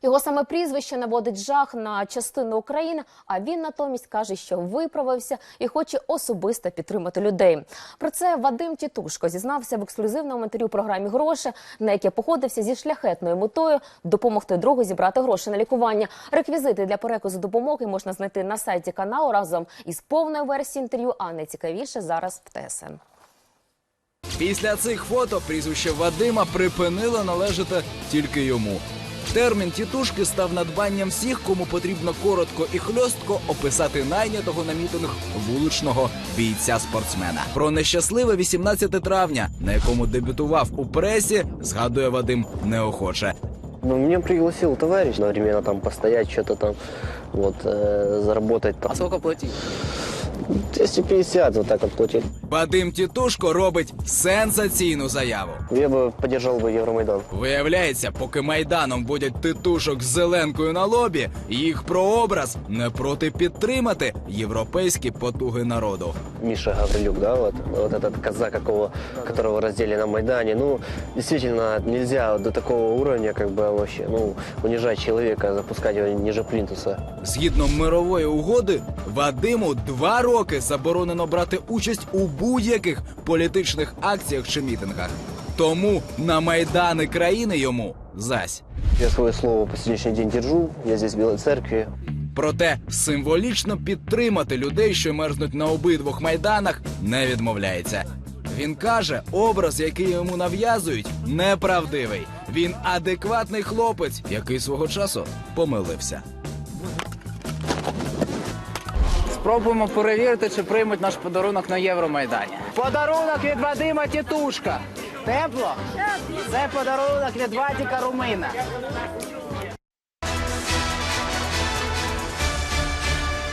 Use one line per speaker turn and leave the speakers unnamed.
Його саме прізвище наводить жах на частину України, а він натомість каже, що виправився і хоче особисто підтримати людей. Про це Вадим Тітушко зізнався в ексклюзивному інтерв'ю програмі «Гроші», на яке походився зі шляхетною метою допомогти другу зібрати гроші на лікування. Реквізити для переказу допомоги можна знайти на сайті каналу разом із повною версією інтерв'ю, а найцікавіше зараз в ТСН.
Після цих фото прізвище Вадима припинило належати тільки йому. Термін «тітушки» став надбанням всіх, кому потрібно коротко і хльостко описати найнятого на мітинг вуличного бійця-спортсмена. Про нещасливе 18 травня, на якому дебютував у пресі, згадує Вадим неохоче.
Меня пригласил товарищ одновременно там постоять, что-то там, заработать. Там.
А сколько платить?
250 вот так вот платили.
Вадим Тітушко робить сенсаційну заяву.
Я бы поддержал Евромайдан.
Виявляється, поки Майданом водять титушок з зеленкою на лобі, їх прообраз не проти підтримати європейські потуги народу.
Миша Гаврилюк, да, вот этот казак, которого раздели на Майдане. Действительно, нельзя до такого уровня, вообще, унижать человека, запускать его ниже плинтуса.
Згідно мирової угоди, Вадиму 2 роки заборонено брати участь у будь-яких політичних акціях чи мітингах. Тому на Майдани країни йому зась.
Я свое слово по сегодняшний день держу, я здесь в Белой Церкви.
Проте символічно підтримати людей, що мерзнуть на обидвох майданах, не відмовляється. Він каже, образ, який йому нав'язують, неправдивий. Він адекватний хлопець, який свого часу помилився.
Спробуємо перевірити, чи приймуть наш подарунок на Євромайдані. Подарунок від Вадима Тітушка. Тепло? Це подарунок від Вадіка Румина.